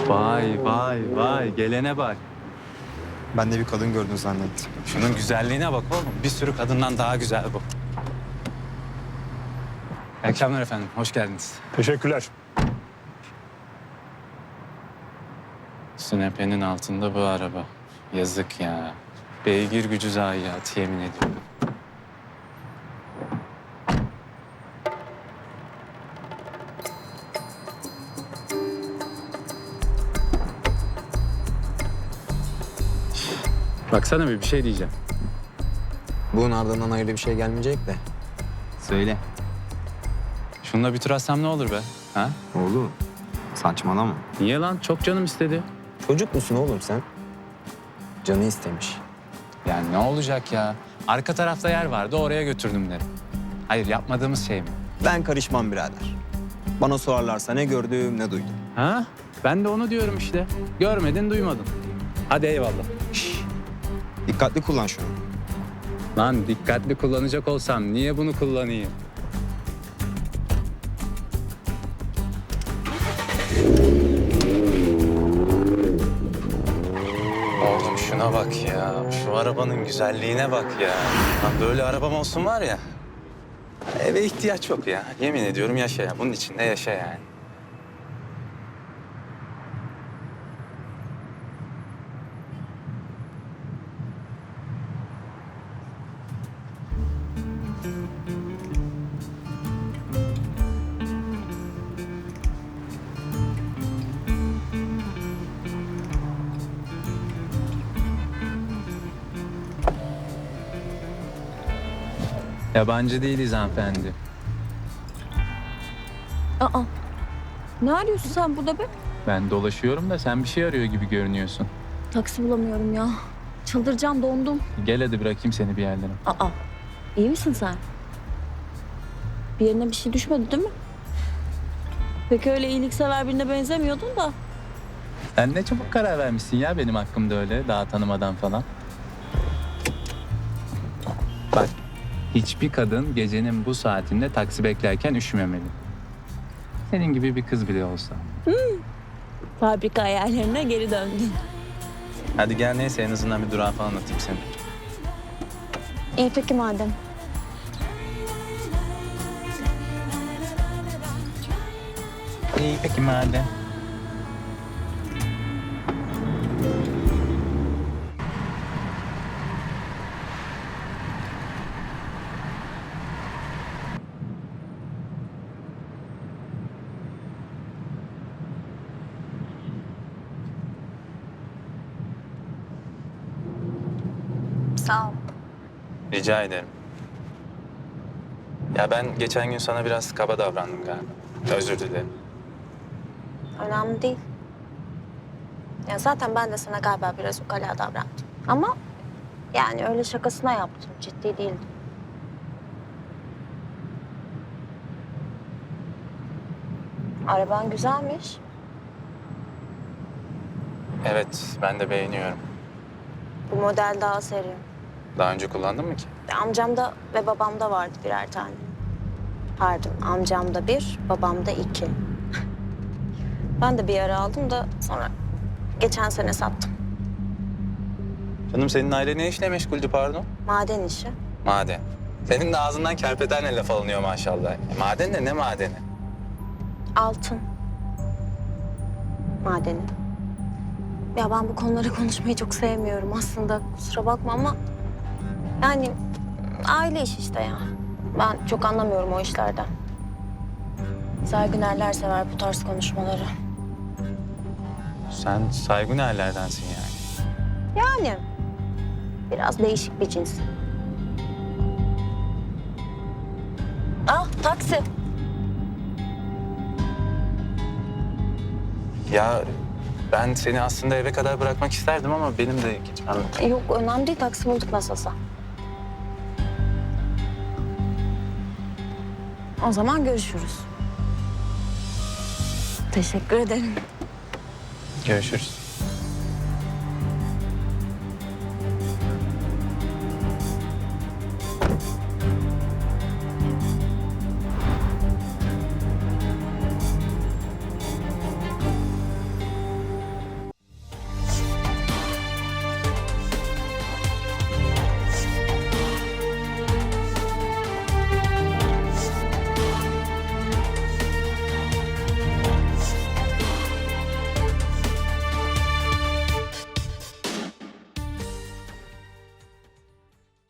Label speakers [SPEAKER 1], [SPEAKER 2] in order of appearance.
[SPEAKER 1] Vay vay vay, gelene bak.
[SPEAKER 2] Ben de bir kadın gördün zannettim.
[SPEAKER 1] Şunun güzelliğine bak oğlum. Bir sürü kadından daha güzel bu. İyi akşamlar efendim, hoş geldiniz.
[SPEAKER 3] Teşekkürler.
[SPEAKER 1] Sünepe'nin altında bu araba. Yazık ya. Beygir gücü zayiatı yemin ediyorum. Baksana bir şey diyeceğim.
[SPEAKER 2] Bunun ardından hayırlı bir şey gelmeyecek de. Söyle.
[SPEAKER 1] Şununla bir tur atsam ne olur be? Ha?
[SPEAKER 2] Oğlum saçmalama.
[SPEAKER 1] Niye lan? Çok canım istedi.
[SPEAKER 2] Çocuk musun oğlum sen? Canı istemiş.
[SPEAKER 1] Yani ne olacak ya? Arka tarafta yer vardı, oraya götürdüm derim. Hayır, yapmadığımız şey mi?
[SPEAKER 2] Ben karışmam birader. Bana sorarlarsa ne gördüm ne duydum.
[SPEAKER 1] Ha? Ben de onu diyorum işte. Görmedin, duymadın. Hadi eyvallah.
[SPEAKER 2] Dikkatli kullan şunu.
[SPEAKER 1] Lan dikkatli kullanacak olsam niye bunu kullanayım? Oğlum şuna bak ya. Şu arabanın güzelliğine bak ya. Lan böyle arabam olsun var ya. Eve ihtiyaç yok ya. Yemin ediyorum yaşa ya. Bunun içinde yaşa yani. Yabancı değiliz hanımefendi.
[SPEAKER 4] Aa, ne arıyorsun sen burada be?
[SPEAKER 1] Ben dolaşıyorum da sen bir şey arıyor gibi görünüyorsun.
[SPEAKER 4] Taksi bulamıyorum ya. Çıldıracağım, dondum.
[SPEAKER 1] Gel hadi bırakayım seni bir yerlere.
[SPEAKER 4] Aa, iyi misin sen? Bir yerine bir şey düşmedi değil mi? Pek öyle iyiliksever birine benzemiyordun da.
[SPEAKER 1] Sen ne çabuk karar vermişsin ya benim hakkımda öyle daha tanımadan falan. Bak, hiçbir kadın gecenin bu saatinde taksi beklerken üşümemeli. Senin gibi bir kız bile olsa.
[SPEAKER 4] Fabrika hayallerine geri döndün.
[SPEAKER 1] Hadi gel neyse en azından bir durağı falan atayım seni.
[SPEAKER 4] İyi peki madem.
[SPEAKER 1] İyi peki madem.
[SPEAKER 4] Sağ ol.
[SPEAKER 1] Rica ederim. Ya ben geçen gün sana biraz kaba davrandım galiba. Özür dilerim.
[SPEAKER 4] Önemli değil. Ya zaten ben de sana galiba biraz ukala davrandım. Ama yani öyle şakasına yaptım. Ciddi değildim. Araban güzelmiş.
[SPEAKER 1] Evet, ben de beğeniyorum.
[SPEAKER 4] Bu model daha seri.
[SPEAKER 1] Daha önce kullandın mı ki?
[SPEAKER 4] Amcamda ve babamda vardı birer tane. Pardon, amcamda bir, babamda iki. Ben de bir ara aldım da sonra geçen sene sattım.
[SPEAKER 1] Canım senin aile ne işle meşguldü pardon?
[SPEAKER 4] Maden işi.
[SPEAKER 1] Maden. Senin de ağzından kerpetenle laf alınıyor maşallah. Maden de ne madeni?
[SPEAKER 4] Altın. Madeni. Ya ben bu konuları konuşmayı çok sevmiyorum aslında. Kusura bakma ama... Yani aile işi işte ya. Ben çok anlamıyorum o işlerden. Saygınerler sever bu tarz konuşmaları.
[SPEAKER 1] Sen saygınerlerdensin yani.
[SPEAKER 4] Yani biraz değişik bir cins. Ah taksi.
[SPEAKER 1] Ya ben seni aslında eve kadar bırakmak isterdim ama benim de gitmem.
[SPEAKER 4] Yok önemli değil taksi bulduk nasılsa. O zaman görüşürüz. Teşekkür ederim.
[SPEAKER 1] Görüşürüz.